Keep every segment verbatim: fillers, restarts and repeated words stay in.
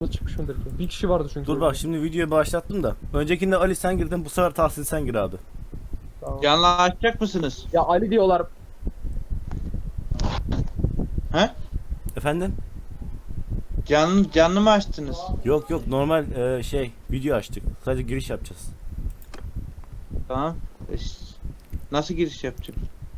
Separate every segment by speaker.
Speaker 1: çıkmış mıdır ki? Bir kişi vardı çünkü.
Speaker 2: Dur bak şimdi videoyu başlattım da. Öncekinde Ali sen girdin, bu sefer Tahsin sen gir abi.
Speaker 1: Tamam.
Speaker 3: Canlı açacak mısınız?
Speaker 1: Ya Ali diyorlar.
Speaker 3: He?
Speaker 2: Efendim?
Speaker 3: Canlı, canlı mı açtınız?
Speaker 2: Yok yok normal e, şey video açtık. Sadece giriş yapacağız.
Speaker 3: Tamam. E, ş- Nasıl giriş yapacak?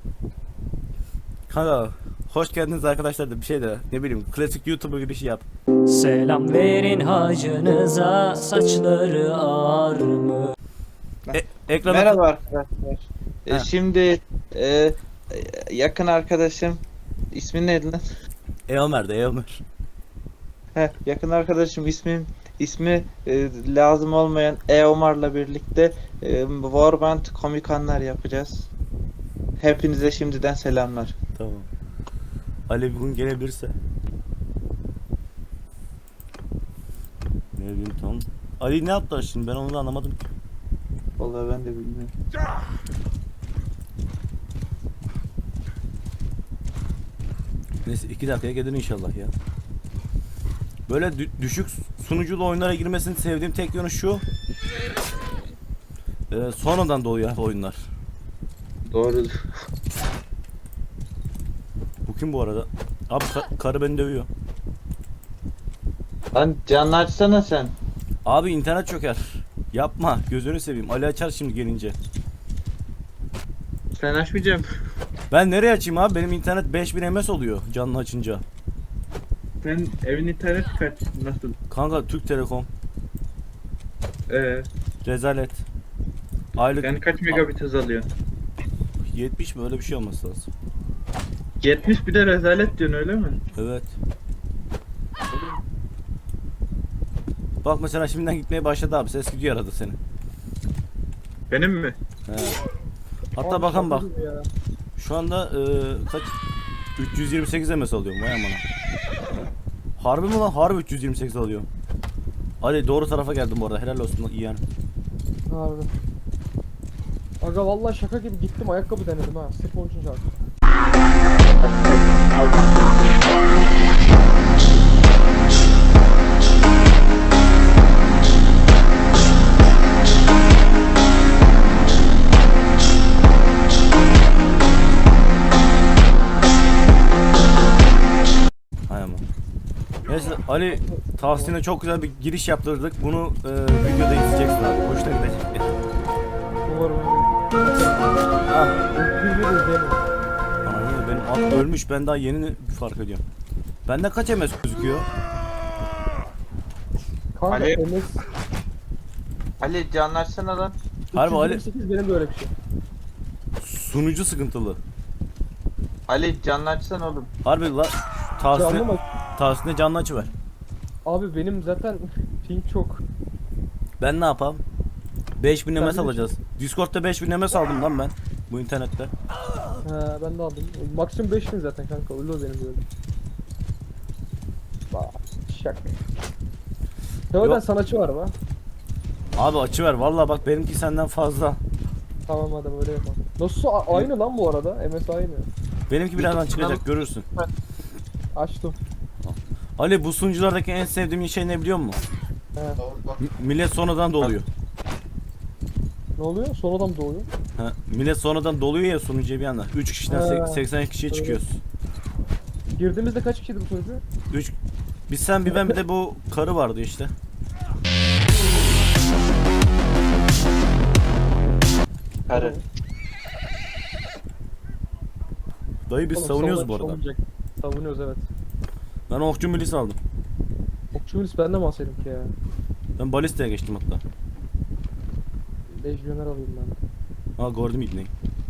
Speaker 2: Kanka hoş geldiniz arkadaşlar da bir şey de ne bileyim klasik YouTube'a girişi yap.
Speaker 4: Selam verin hacınıza, saçları ağar mı?
Speaker 2: E, ekrana
Speaker 3: Merhaba arkadaşlar. E,
Speaker 2: Ha.
Speaker 3: şimdi e, e, yakın arkadaşım ismin neydi lan?
Speaker 2: Eomer'de Eomer.
Speaker 3: Heh, yakın arkadaşım ismim ismi e, lazım olmayan Eomar'la birlikte e, Warband komik anlar yapacağız. Hepinize şimdiden selamlar.
Speaker 2: Tamam. Ali bugün gelebilirse. Ne bileyim tamam. Ali ne yaptı şimdi ben onu da anlamadım ki.
Speaker 3: Vallahi ben de bilmiyorum.
Speaker 2: Neyse iki dakikaya gelir inşallah ya. Böyle dü- düşük sunuculu oyunlara girmesini sevdiğim tek yönü şu. Ee, sonradan doğuyor abi oyunlar.
Speaker 3: Doğru.
Speaker 2: Bu kim bu arada? Abi ka- karı beni dövüyor.
Speaker 3: Lan canlı açsana sen.
Speaker 2: Abi internet çöker. Yapma gözünü seveyim. Ali açar şimdi gelince.
Speaker 3: Ben açmayacağım.
Speaker 2: Ben nereye açayım abi? Benim internet beş bin M S oluyor canlı açınca.
Speaker 5: Sen evin internet kaç? Nasıl?
Speaker 2: Kanka Türk Telekom.
Speaker 5: Ee,
Speaker 2: Rezalet. Aylık
Speaker 5: yani kaç megabit hız alıyorsun?
Speaker 2: yetmiş mi öyle bir şey olması lazım.
Speaker 5: yetmiş bir de rezalet diyorsun öyle mi?
Speaker 2: Evet. Bak mesela şimdiden gitmeye başladı abi. Ses gidiyor arada senin.
Speaker 5: Benim mi?
Speaker 2: He. Hatta
Speaker 1: Abi
Speaker 2: bakan bak.
Speaker 1: şaka gibi ya.
Speaker 2: Şu anda e, kaç? üç yüz yirmi sekiz M S alıyorum. Vay amına. Harbi mi lan? Harbi üç yüz yirmi sekiz alıyorum. Hadi doğru tarafa geldim bu arada. Helal olsun iyi yani.
Speaker 1: Harbi. Aga vallahi şaka gibi gittim ayakkabı denedim ha. Sırf onun için şarkı.
Speaker 2: Hay ama. Neyse Ali Tahsin'e çok güzel bir giriş yaptırdık. Bunu e, videoda izleyeceksin abi. Hoşuna gidecek.
Speaker 1: Umarım öyle.
Speaker 2: Ah.
Speaker 1: Bir bir izleyelim.
Speaker 2: Anam benim at ölmüş. Ben daha yeni fark ediyorum. Bende kaç M S gözüküyor?
Speaker 1: Kanka
Speaker 3: Ali.
Speaker 1: M S
Speaker 3: Ali canlı açsana lan.
Speaker 2: Harbi Ali
Speaker 1: üç yüz yirmi sekiz benim de öyle bir şey.
Speaker 2: sunucu sıkıntılı.
Speaker 3: Ali canlı açsana oğlum.
Speaker 2: Harbi la
Speaker 1: Canlı
Speaker 2: Tahsin'e
Speaker 1: mı?
Speaker 2: Tahsin'e canlı açıver.
Speaker 1: Abi benim zaten ping çok.
Speaker 2: Ben ne yapayım? beş bin
Speaker 1: Sen
Speaker 2: M S
Speaker 1: de-
Speaker 2: alacağız. Discord'da beş bin M S aldım lan ben. Bu internette.
Speaker 1: He ben de aldım. Maksimum beş bin zaten kanka. Öyle o benim böyle. Bak şak. Teoden
Speaker 2: Yok.
Speaker 1: sanatçı var mı?
Speaker 2: Abi açıver. Vallahi bak benimki senden fazla.
Speaker 1: Tamam hadi öyle yapalım. Nasıl a- aynı lan bu arada? M S aynı.
Speaker 2: Benimki birazdan çıkacak görürsün.
Speaker 1: Açtım.
Speaker 2: Ali bu sunuculardaki en sevdiğim şey ne biliyor musun?
Speaker 1: He.
Speaker 2: M- millet sonradan doluyor.
Speaker 1: Ne oluyor? Son adam doğuyor.
Speaker 2: Ha, millet sonradan doluyor ya sunucuya bir anda. üç kişiden
Speaker 1: Ha.
Speaker 2: sek- seksen kişiye
Speaker 1: Evet.
Speaker 2: çıkıyoruz.
Speaker 1: Girdiğimizde kaç kişiydi bu sunucu?
Speaker 2: üç Biz sen bir ben bir de bu karı vardı işte.
Speaker 3: Karı.
Speaker 2: Dayı biz
Speaker 1: Oğlum,
Speaker 2: savunuyoruz
Speaker 1: savun-
Speaker 2: bu arada.
Speaker 1: savunacak. Savunuyoruz evet.
Speaker 2: Ben okçu milis aldım.
Speaker 1: Okçu milis ben de mi alsaydım ki ya?
Speaker 2: Ben balistaya geçtim hatta.
Speaker 1: Lejyoner alayım ben.
Speaker 2: Ha gördüm ibneyi.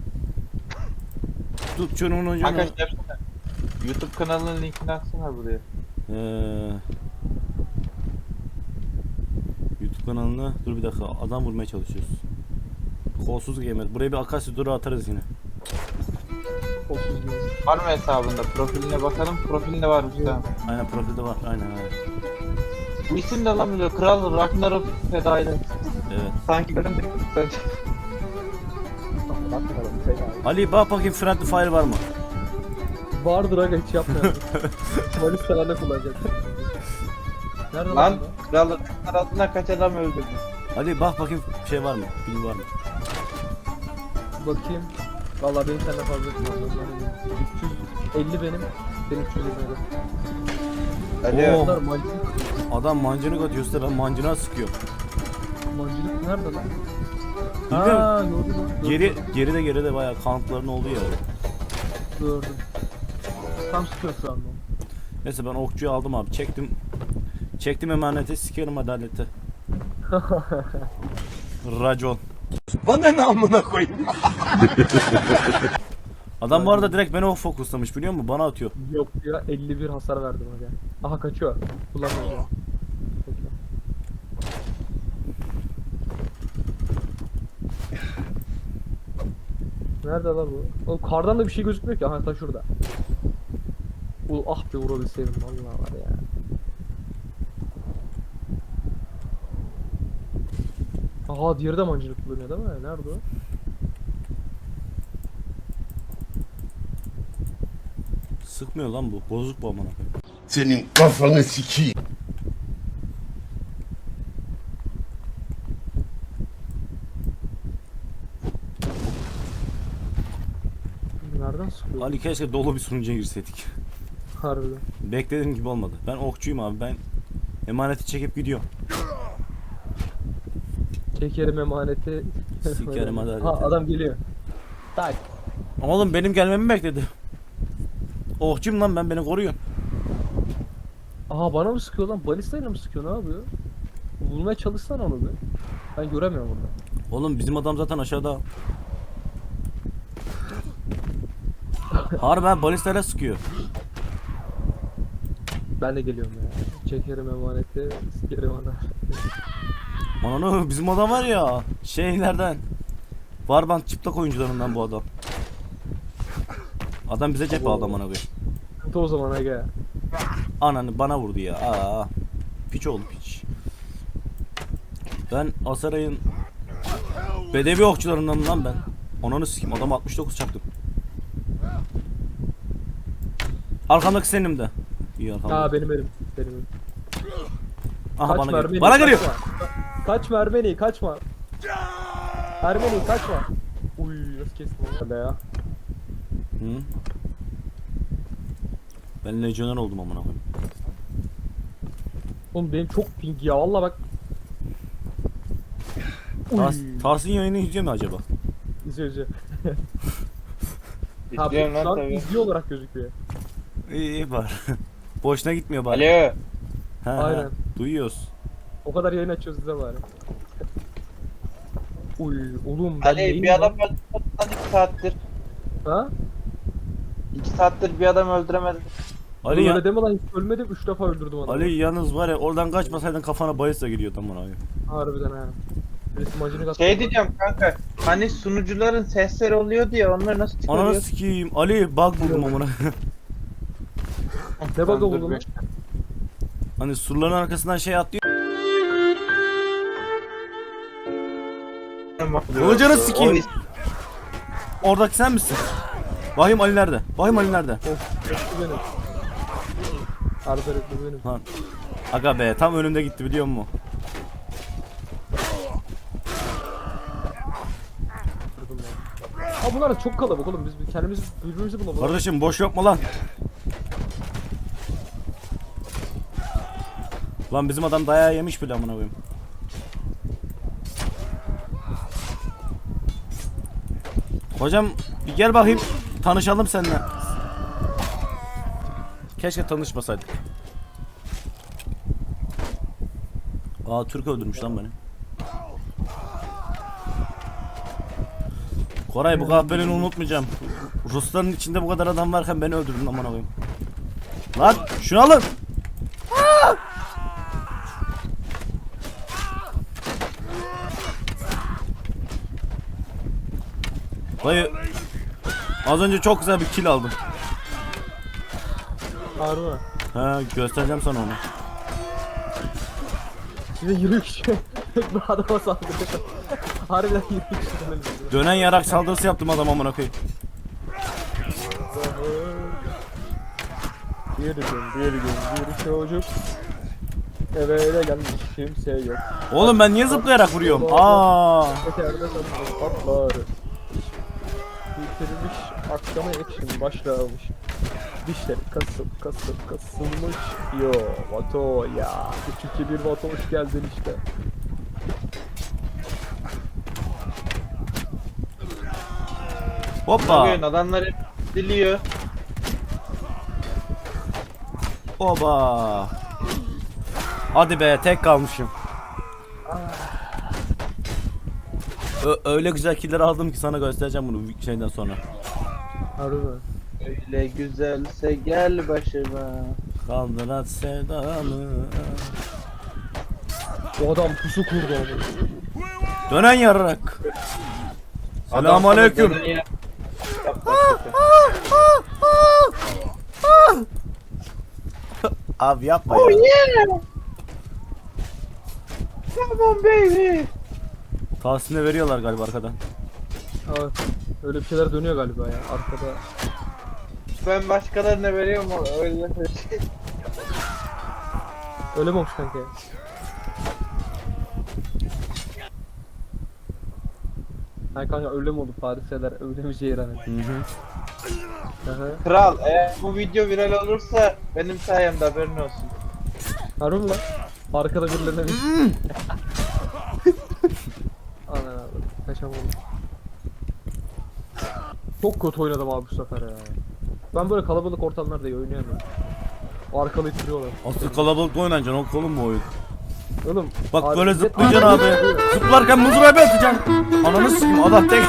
Speaker 2: Tut çorumun ucunu.
Speaker 3: Arkadaşlar yapsana. YouTube kanalının linkini atsana buraya.
Speaker 2: Ee, YouTube kanalına dur bir dakika adam vurmaya çalışıyoruz. Kolsuz gamer. Buraya bir akasya duru atarız yine.
Speaker 1: Kolsuz gibi.
Speaker 3: Var mı hesabında? Profiline bakalım. Profilinde varmış tamam.
Speaker 2: Aynen profilde var. Aynen aynen.
Speaker 3: Bu isim de lan böyle Kral Ragnarok fedailer.
Speaker 2: Evet.
Speaker 3: Sanki benim de
Speaker 1: Bakmadım. Fena.
Speaker 2: Ali bak bakayım friendly fire var mı?
Speaker 1: Vardır aga hiç yapmayalım. Malis falan da kullanacak. Nerede
Speaker 3: Lan
Speaker 1: lan?
Speaker 3: kralın arasında kaç adam öldürdün?
Speaker 2: Ali bak bakayım şey var mı? Film var mı?
Speaker 1: Bakayım. Vallahi benim senden fazla çıkmaz. üç yüz elli benim. Benim üç yüz yirmi.
Speaker 3: Alo.
Speaker 2: Oo.
Speaker 1: Bunlar mancınık.
Speaker 2: Adam mancınık atıyor usta, ben mancına sıkıyorum.
Speaker 1: Mancınık nerede lan?
Speaker 2: Bilmiyorum.
Speaker 1: Aa gördüm lan. gördüm.
Speaker 2: Geri geride geride bayağı kanıtların olduğu yer.
Speaker 1: Gördüm. Tam sıkıyor şu anda.
Speaker 2: Neyse ben okçuyu aldım abi. Çektim. Çektim emaneti, sikerim adaleti. Racon.
Speaker 6: Bana ne amına koyayım?
Speaker 2: Adam bu arada direkt beni o fokuslamış biliyor musun? Bana atıyor.
Speaker 1: Yok ya elli bir hasar verdim hadi. Aha kaçıyor. Kullanmıyor. ya. Bekle. Nerede lan bu? Oğlum kardan da bir şey gözükmüyor ki. Aha ta şurada. Ul ah be vurabilseydim vallahi var ya. Aha diğeri de mancınık kullanıyor değil mi? Nerede o?
Speaker 2: Sıkmıyor lan bu. Bozuk bu amına koyayım.
Speaker 6: Senin kafanı sikeyim.
Speaker 1: Nereden sıkıyor?
Speaker 2: Ali keşke dolu bir sunucuya girseydik.
Speaker 1: Harbiden.
Speaker 2: Beklediğim gibi olmadı. Ben okçuyum abi. Ben emaneti çekip gidiyorum.
Speaker 1: Çekerim emaneti.
Speaker 2: Sikerim adaleti.
Speaker 1: Ha adam geliyor. Tak.
Speaker 2: Oğlum benim gelmemi bekledi. Okçuyum lan ben, beni koruyun.
Speaker 1: Aha bana mı sıkıyor lan? Balistayla mı sıkıyor? Ne yapıyor? Bulmaya çalışsana onu bir. Ben göremiyorum burada.
Speaker 2: Oğlum bizim adam zaten aşağıda. Harbi balistayla sıkıyor.
Speaker 1: Ben de geliyorum ya. Çekerim emaneti, sikerim ana.
Speaker 2: Ananı bizim adam var ya. Şeylerden. Warband çıplak oyuncularından bu adam. Adam bize cephe aldı amına koyayım.
Speaker 1: Sıkıntı o zaman aga.
Speaker 2: Ananı bana vurdu ya. Aa. Piç oldu piç. Ben Asaray'ın bedevi okçularından lan ben. Ananı sikeyim, adam altmış dokuz çaktım. Arkamdaki senin de. İyi arkamda.
Speaker 1: Ha benim elim. Benim elim.
Speaker 2: Aha bana
Speaker 1: Mermeni,
Speaker 2: geliyor. Bana geliyor.
Speaker 1: Kaçma. Kaç Mermeni kaçma. Mermeni kaçma. Uy nasıl kestim onu? Hadi ya.
Speaker 2: Hı? Ben lejyoner oldum amına koyayım.
Speaker 1: Oğlum benim çok ping ya valla bak.
Speaker 2: Tars,
Speaker 1: Uy.
Speaker 2: Tars'ın yayını izliyor mu acaba?
Speaker 1: İzliyor izliyor. Ha, bu
Speaker 3: İzliyorum
Speaker 1: şu
Speaker 3: lan
Speaker 1: an
Speaker 3: tabii.
Speaker 1: izliyor olarak gözüküyor.
Speaker 2: İyi iyi var. Boşuna gitmiyor bari.
Speaker 3: Alo.
Speaker 2: He, he,
Speaker 1: Aynen.
Speaker 2: duyuyoruz.
Speaker 1: O kadar yayın açıyoruz bize bari. Uy oğlum ben
Speaker 3: Ali
Speaker 1: neyim
Speaker 3: bir adam
Speaker 1: lan?
Speaker 3: öldürmedin lan iki saattir.
Speaker 1: Ha?
Speaker 3: iki saattir bir adam öldüremedin.
Speaker 2: Ali
Speaker 1: Ali
Speaker 2: ya,
Speaker 1: öyle deme lan hiç ölmedim üç defa öldürdüm adamı.
Speaker 2: Ali yalnız var ya, oradan kaçmasaydın kafana bayılsa geliyordu amına koyayım.
Speaker 1: Harbiden ha. Birisi macını kattı.
Speaker 3: Şey diyeceğim kanka. Hani sunucuların sesleri oluyordu ya onları nasıl
Speaker 2: Ananı
Speaker 3: çıkarıyor?
Speaker 2: sikeyim. Ali bug buldum amına.
Speaker 1: Ne bug'ı buldun lan?
Speaker 2: Hani surların arkasından şey atlıyor. Kılıcını sikeyim. Oradaki sen misin? Vahim Ali nerede? Vahim Ali nerede?
Speaker 1: Of rekli benim. Harbi rekli benim.
Speaker 2: Lan. Aga be tam önümde gitti biliyor musun?
Speaker 1: Kırdım ya. Ha bunlar da çok kalabalık oğlum biz kendimiz birbirimizi bulalım.
Speaker 2: Kardeşim boş yapma lan. Lan bizim adam dayağı yemiş bile amına koyayım. Hocam bir gel bakayım. Tanışalım seninle. Keşke tanışmasaydık. Aa Türk öldürmüş lan beni. Koray bu kahpeliğini unutmayacağım. Rusların içinde bu kadar adam varken beni öldürdün aman koyayım. Lan şunu alın. Aa! Dayı az önce çok güzel bir kill aldım.
Speaker 1: Harbi.
Speaker 2: Ha göstereceğim sana onu.
Speaker 1: Size yirmi kişi bir adama saldırıyor. Harbiden yirmi kişi öldürdüm.
Speaker 2: Dönen yarak saldırısı yaptım adam amına koyayım.
Speaker 1: Bir gün bir gün bir çocuk Eve gelmiş kimse yok.
Speaker 2: Oğlum ben niye zıplayarak vuruyorum? Aa.
Speaker 1: Öterde sanırım patlar. Bitirmiş akşama action başlamış. Dişleri kasıp kasıp kasılmış. Yo Vato ya. üç iki bir Vato hoş geldin işte.
Speaker 2: Hoppa.
Speaker 3: Bugün adamlar hep diliyor.
Speaker 2: Oba. Hadi be tek kalmışım. Ö- öyle güzel killer aldım ki sana göstereceğim bunu şeyden sonra.
Speaker 1: Harbi mi?
Speaker 3: Öyle güzelse gel başıma.
Speaker 2: Kaldırat sevdamı.
Speaker 1: O adam pusu kurdu onu.
Speaker 2: Dönen yarrak. Selamun aleyküm.
Speaker 3: Adam sana dönüyor.
Speaker 2: Abi yapma
Speaker 3: Oh
Speaker 2: ya.
Speaker 3: yeah! Come on baby!
Speaker 2: Tahsin'e veriyorlar galiba arkadan.
Speaker 1: Evet. Öyle bir şeyler dönüyor galiba ya arkada.
Speaker 3: Ben başkalarına veriyorum o öyle şey.
Speaker 1: Öyle mi olmuş kanka? Hayır kanka öyle mi oldu Fariseler öyle mi Ceyran?
Speaker 2: Hı hı.
Speaker 1: Aha.
Speaker 3: Kral eğer bu video viral olursa benim sayemde haberin olsun.
Speaker 1: Harbi mi lan? Arkada birilerine bir... Anan abi. Kaçam oldu. Çok kötü oynadım abi bu sefer ya. Ben böyle kalabalık ortamlarda iyi oynayamıyorum. Arkalı ittiriyorlar.
Speaker 2: Asıl kalabalıkta oynanacaksın o kolun mu oyun?
Speaker 1: Oğlum.
Speaker 2: Bak
Speaker 1: abi-
Speaker 2: böyle zıplayacaksın abi. Zıplarken mızrağı bir atacaksın. Ananı sikeyim adam tek.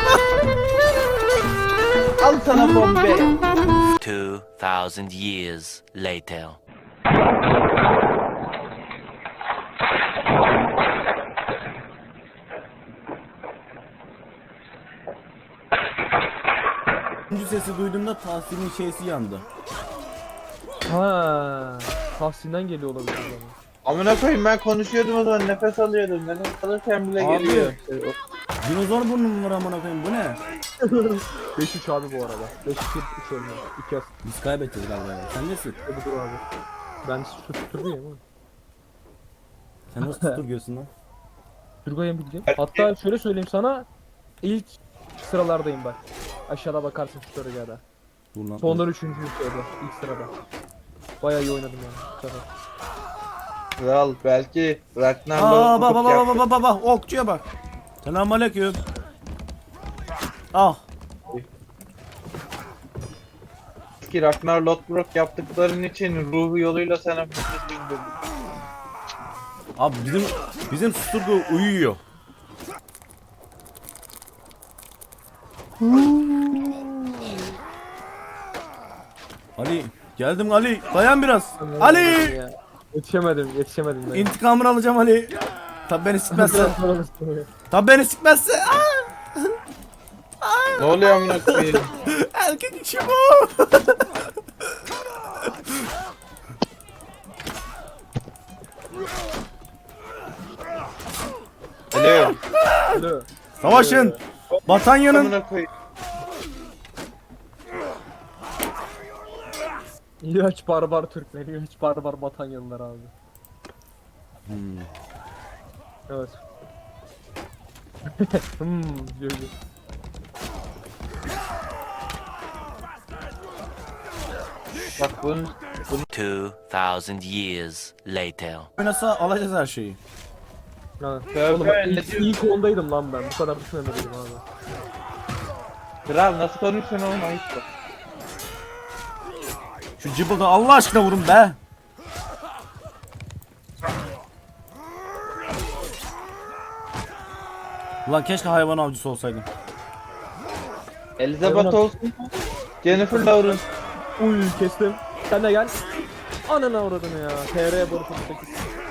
Speaker 3: Al sana bombe.
Speaker 7: Two thousand years later.
Speaker 2: Üçüncü sesi duyduğumda Tahsin'in şeysi yandı.
Speaker 1: Ha, Tahsin'den geliyor olabilir o zaman.
Speaker 3: Amına koyayım ben konuşuyordum o zaman nefes alıyordum. Nefes alırken bile
Speaker 2: Abi.
Speaker 3: geliyor.
Speaker 2: Dinozor burnum var amına koyayım bu ne?
Speaker 1: beş üç abi bu arada. beş iki üç olmuyor. iki asist
Speaker 2: Biz kaybedeceğiz galiba ya. Sen nesin?
Speaker 1: budur abi. Ben şu tuturduyum ama.
Speaker 2: Sen nasıl tutturguyorsun lan?
Speaker 1: Turgay'ın bildiğim. Hatta şöyle söyleyeyim sana. İlk sıralardayım bak. Aşağıda bakarsın şu Turgay'da.
Speaker 2: Dur lan.
Speaker 1: Sondan üçüncü sırada. İlk sırada. Bayağı iyi oynadım yani. Bu sefer.
Speaker 3: Kral belki Ragnar
Speaker 2: Aa bak
Speaker 3: Lothbrok
Speaker 2: bak
Speaker 3: yaptı.
Speaker 2: bak bak bak bak okçuya bak. Selamünaleyküm. Ah.
Speaker 3: Ki Ragnar Lothbrok yaptıkların için ruhu yoluyla sana bir şey bildirdim.
Speaker 2: Abi bizim bizim susturgu uyuyor. Ali geldim Ali dayan biraz. Ali
Speaker 1: Ya. Yetişemedim, yetişemedim ben.
Speaker 2: intikamını alacağım Ali. Tabi beni sikmezse.
Speaker 1: Biraz sonra ısınıyor.
Speaker 2: Tabi beni sikmezse. Aa!
Speaker 3: Ne oluyor amına koyayım?
Speaker 2: Erkek işi bu.
Speaker 3: Alo.
Speaker 1: Alo.
Speaker 2: Savaşın. Batanya'nın
Speaker 3: Amına koyayım.
Speaker 1: İlaç barbar Türkler, ilaç barbar Batanyalılar abi.
Speaker 2: Hmm.
Speaker 1: Evet. hmm, diyor diyor.
Speaker 3: Bak bunun
Speaker 7: Two thousand years later.
Speaker 2: oynasa alacağız her şeyi.
Speaker 1: Ha.
Speaker 3: Tövbe,
Speaker 1: Oğlum
Speaker 3: ne
Speaker 1: ilk,
Speaker 3: diyorsun?
Speaker 1: ilk ondaydım lan ben. Bu kadar düşünemedim abi.
Speaker 3: kral nasıl konuşuyorsun oğlum ayıp bak.
Speaker 2: Şu cıbılda Allah aşkına vurun be. Ulan keşke hayvan avcısı olsaydım.
Speaker 3: Elizabeth olsun. Jennifer Lawrence.
Speaker 1: Uy kestim. Sen de gel. Anana uğradın ya. T R Barış sekiz.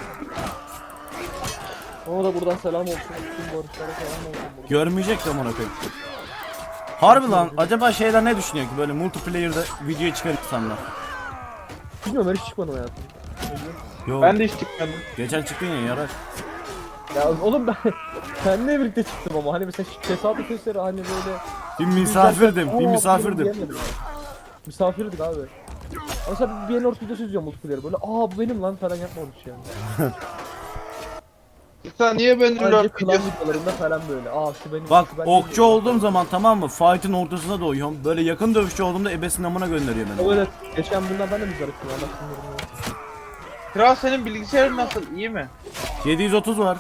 Speaker 1: Ona da buradan selam olsun. Tüm barışlara selam olsun. Buradan.
Speaker 2: Görmeyecek de amına koyayım. Harbi lan acaba şeyler ne düşünüyor ki böyle multiplayer'da video çıkar insanlar.
Speaker 1: Bilmiyorum ben hiç çıkmadım hayatım.
Speaker 2: Yo
Speaker 3: Ben de hiç çıkmadım.
Speaker 2: geçen çıktın ya yarar.
Speaker 1: Ya oğlum ben seninle birlikte çıktım ama hani mesela tesadüf eseri hani böyle
Speaker 2: Bir misafirdim, bir
Speaker 1: Aa,
Speaker 2: misafirdim.
Speaker 1: diyemedim. Misafirdik abi. Mesela bir N videosu izliyorum multiplayer böyle. Aa bu benim lan falan yapmamış yani.
Speaker 3: Sen niye beni
Speaker 1: Sadece
Speaker 3: lord
Speaker 1: klan
Speaker 3: videosu?
Speaker 1: videolarında falan böyle. Aa şu benim.
Speaker 2: Bak
Speaker 1: şu ben
Speaker 2: okçu
Speaker 1: değilim.
Speaker 2: olduğum zaman tamam mı? Fight'ın ortasına doğuyorum. Böyle yakın dövüşçü olduğumda ebesinin amına gönderiyor beni.
Speaker 1: Evet. Geçen bundan ben de müzarı kıldım. Allah sinirimi.
Speaker 3: Kral senin bilgisayarın nasıl? İyi mi?
Speaker 2: yedi yüz otuz var.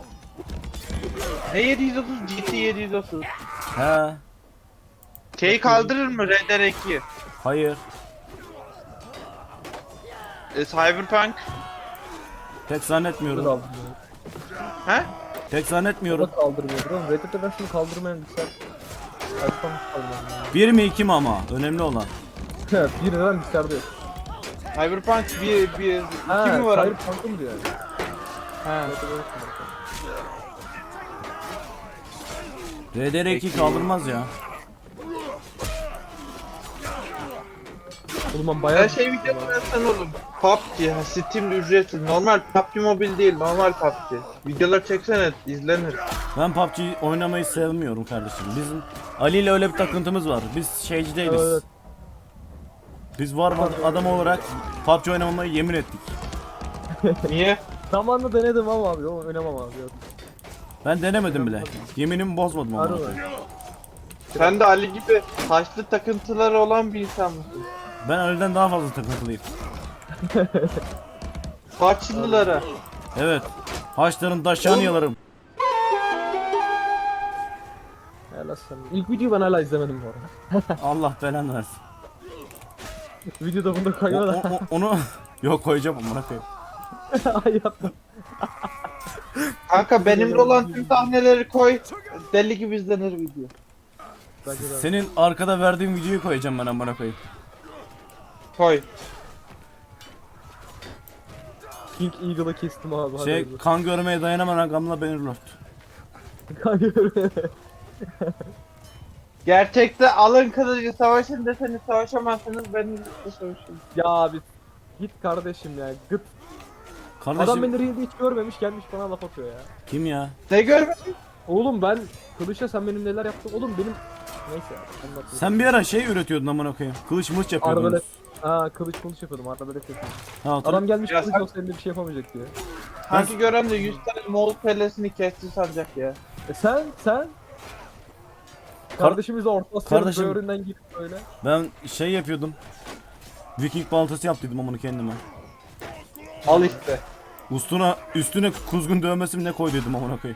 Speaker 3: Ne yedi yüz otuz? G T yedi yüz otuz.
Speaker 2: He.
Speaker 3: Şeyi kaldırır mı Red Dead ikiyi?
Speaker 2: Hayır.
Speaker 3: E, Cyberpunk?
Speaker 2: Pek
Speaker 1: Bunu
Speaker 2: zannetmiyorum.
Speaker 1: aldım.
Speaker 3: He?
Speaker 2: Pek
Speaker 1: O
Speaker 2: zannetmiyorum.
Speaker 1: da kaldırmıyor oğlum. Red Dead Redemption'ı kaldırmayan bilgisayar. Açmamış kaldırmayan.
Speaker 2: Bir mi iki mi ama? Önemli olan.
Speaker 1: Bir neden bilgisayarda yok.
Speaker 3: Cyberpunk bir, bir,
Speaker 1: Ha,
Speaker 3: iki mi var?
Speaker 1: Cyber Punk'ı mı diyor yani?
Speaker 3: Ha.
Speaker 1: Red Dead Redemption.
Speaker 2: R D R iki kaldırmaz ya.
Speaker 1: Oğlum ben bayağı...
Speaker 3: Her şey videosu versen oğlum. P U B G, ha, Steam'de ücretsiz. Normal P U B G Mobile değil, normal P U B G. Videolar çeksene, izlenir.
Speaker 2: Ben P U B G oynamayı sevmiyorum kardeşim. Bizim Ali ile öyle bir takıntımız var. Biz şeyci değiliz.
Speaker 1: Evet.
Speaker 2: Biz var var adam olarak P U B G oynamamayı yemin ettik.
Speaker 3: Niye?
Speaker 1: Zamanla denedim ama abi. O oynamam abi. Yok.
Speaker 2: Ben denemedim bile. Yeminimi bozmadım ama.
Speaker 1: Harbi.
Speaker 3: Sen de Ali gibi taşlı takıntıları olan bir insan mısın?
Speaker 2: Ben Ali'den daha fazla takıntılıyım.
Speaker 3: Taşlılara.
Speaker 2: Evet. Haçların taşlarını yalarım.
Speaker 1: Helal sana. İlk videoyu ben hala izlemedim bu arada.
Speaker 2: Allah belanı versin.
Speaker 1: Videoda bunu da
Speaker 2: O,
Speaker 1: koyma da.
Speaker 2: o- o- onu yok koyacağım amına koyayım.
Speaker 1: Ay yapma.
Speaker 3: Kanka benimle olan tüm sahneleri koy. Deli gibi izlenir video.
Speaker 1: Bence de.
Speaker 2: Senin arkada verdiğin videoyu koyacağım ben amına koyayım.
Speaker 3: Koy.
Speaker 1: King Eagle'ı kestim abi. hadi
Speaker 2: Şey
Speaker 1: hayırlı.
Speaker 2: kan görmeye dayanamayan gamla Bannerlord.
Speaker 1: Kanka.
Speaker 3: Gerçekte alın kılıcı savaşın deseniz savaşamazsınız, benimle savaşın.
Speaker 1: Ya abi. Git kardeşim ya. Gıt.
Speaker 2: Kardeşim
Speaker 1: Adam beni realde hiç görmemiş gelmiş bana laf atıyor ya.
Speaker 2: kim ya?
Speaker 3: Ne görmedin?
Speaker 1: Oğlum ben kılıçla sen benim neler yaptın? Oğlum benim neyse anlatayım.
Speaker 2: Sen bir ara şey üretiyordun amına koyayım. Kılıç mılıç yapıyordun.
Speaker 1: Arbalet. Ha kılıç kılıç yapıyordum arbalet yapıyordum.
Speaker 2: Ha, hatırla-
Speaker 1: Adam gelmiş
Speaker 3: Ya
Speaker 1: kılıç
Speaker 3: sen-
Speaker 1: olsa elinde bir şey yapamayacak diye.
Speaker 3: Sanki gören de yüz tane Moğol kellesini kesti sanacak ya.
Speaker 1: E sen sen Kardeşimiz de Orta Asya'nın
Speaker 2: Kardeşim-
Speaker 1: böğründen girip böyle.
Speaker 2: Ben şey yapıyordum. Viking baltası yaptıydım amına kendime.
Speaker 3: Al işte.
Speaker 2: Üstüne üstüne kuzgun dövmesi mi ne koyduydum amına koyayım.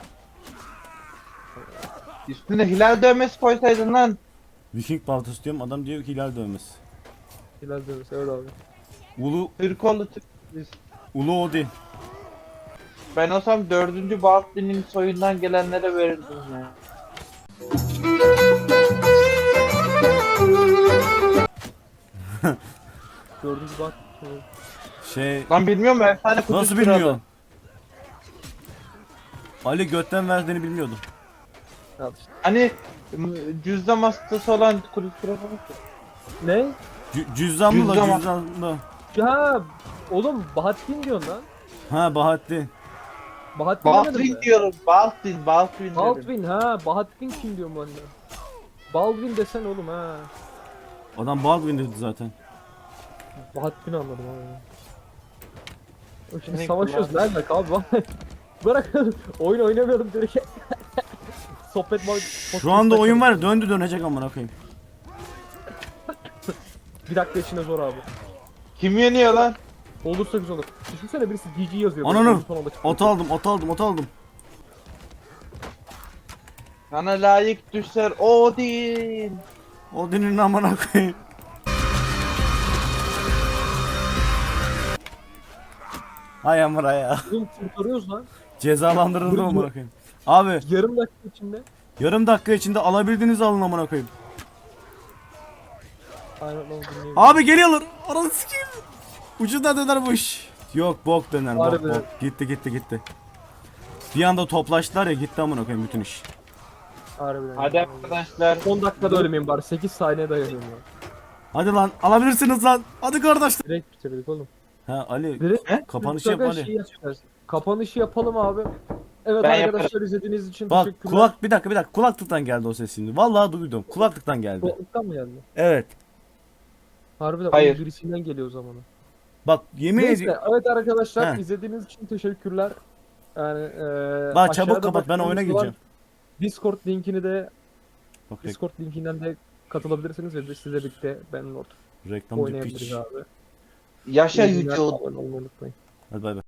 Speaker 3: Üstüne hilal dövmesi koysaydın lan.
Speaker 2: Viking baltası diyorum adam diyor ki hilal dövmesi.
Speaker 1: Hilal diyoruz evet abi.
Speaker 2: Ulu
Speaker 3: Türkoğlu Türk. biz.
Speaker 2: Ulu Odin.
Speaker 3: Ben olsam dördüncü Baltin'in soyundan gelenlere verirdim ya.
Speaker 1: Dördüncü bak.
Speaker 2: Şey
Speaker 3: Lan bilmiyorum efsane kutusu
Speaker 2: nasıl
Speaker 3: kralı.
Speaker 2: bilmiyor? Ali götten verdiğini bilmiyordum.
Speaker 1: Al işte.
Speaker 3: Hani m- cüzdan hastası olan kulis kralı mı?
Speaker 1: Ne?
Speaker 2: Cü- cüzdanlı la
Speaker 3: Cüzdan-
Speaker 2: cüzdanlı.
Speaker 1: Ya oğlum Bahattin diyorsun lan.
Speaker 2: Ha Bahattin.
Speaker 1: Bahattin demedin
Speaker 3: Baltin
Speaker 1: mi?
Speaker 3: diyorum. Baltin, Baltin dedim.
Speaker 1: Baldwin ha. Bahattin kim diyorum ben de. Baldwin desen oğlum ha.
Speaker 2: Adam Baldwin dedi zaten.
Speaker 1: Bahattin anladım abi. O Şimdi
Speaker 3: Ne
Speaker 1: savaşıyoruz ne alaka abi vallahi. Bırak oyun oynamıyorum direkt. Sohbet muhabbet.
Speaker 2: Şu anda oyun var ya, döndü dönecek amına koyayım.
Speaker 1: Bir dakika içinde zor abi.
Speaker 3: Kim yeniyor lan?
Speaker 1: Olursa güzel olur. Düşünsene birisi G G yazıyor.
Speaker 2: Ananı,
Speaker 1: böyle, son anda çıkıyor.
Speaker 2: Ot aldım, ot aldım, ot aldım.
Speaker 3: Sana layık düşler Odin.
Speaker 2: Odin'in amına koyayım. Hay amına ya.
Speaker 1: Oğlum kurtarıyoruz lan.
Speaker 2: Cezalandırıldı
Speaker 1: Dur,
Speaker 2: amına
Speaker 1: dur.
Speaker 2: koyayım. Abi
Speaker 1: Yarım dakika içinde.
Speaker 2: yarım dakika içinde alabildiğinizi alın amına koyayım.
Speaker 1: Aynen oğlum dinleyeyim.
Speaker 2: Abi geliyorlar. Ananı sikeyim. Ucundan döner bu iş. Yok bok döner bok
Speaker 1: Harbi.
Speaker 2: bok. Gitti gitti gitti. Bir anda toplaştılar ya gitti amına koyayım bütün iş.
Speaker 1: Harbiden.
Speaker 3: Hadi arkadaşlar.
Speaker 1: on dakikada ölmeyeyim bari. sekiz saniye dayanıyorum ya.
Speaker 2: Hadi lan alabilirsiniz lan. Hadi kardeşler.
Speaker 1: Direkt bitirdik oğlum.
Speaker 2: Ha Ali
Speaker 1: Direkt
Speaker 2: kapanışı yap Ali.
Speaker 1: Şey yapacağız. Kapanışı yapalım abi. Evet
Speaker 3: Ben
Speaker 1: arkadaşlar izlediğiniz için
Speaker 2: Bak
Speaker 1: teşekkürler.
Speaker 2: kulak bir dakika bir dakika kulaklıktan geldi o ses şimdi. Vallahi duydum. Kulaklıktan geldi.
Speaker 1: Kulaklıktan mı geldi?
Speaker 2: Evet.
Speaker 1: Harbiden
Speaker 3: Hayır.
Speaker 1: onun birisinden geliyor o zaman.
Speaker 2: Bak yemin
Speaker 1: Neyse
Speaker 2: ediyorum.
Speaker 1: evet arkadaşlar
Speaker 2: Heh.
Speaker 1: izlediğiniz için teşekkürler. Yani eee
Speaker 2: Bak çabuk
Speaker 1: aşağıda
Speaker 2: kapat, ben oyuna
Speaker 1: bakmanız
Speaker 2: gireceğim.
Speaker 1: olan Discord linkini de
Speaker 2: Bak rek-
Speaker 1: Discord linkinden de katılabilirsiniz ve biz sizle birlikte ben Lord
Speaker 2: reklamcı
Speaker 1: oynayabiliriz
Speaker 2: piç.
Speaker 1: abi.
Speaker 3: Yaşa
Speaker 1: İyi günler,
Speaker 3: Yüce
Speaker 1: abone olmayı unutmayın.
Speaker 2: Hadi bay bay.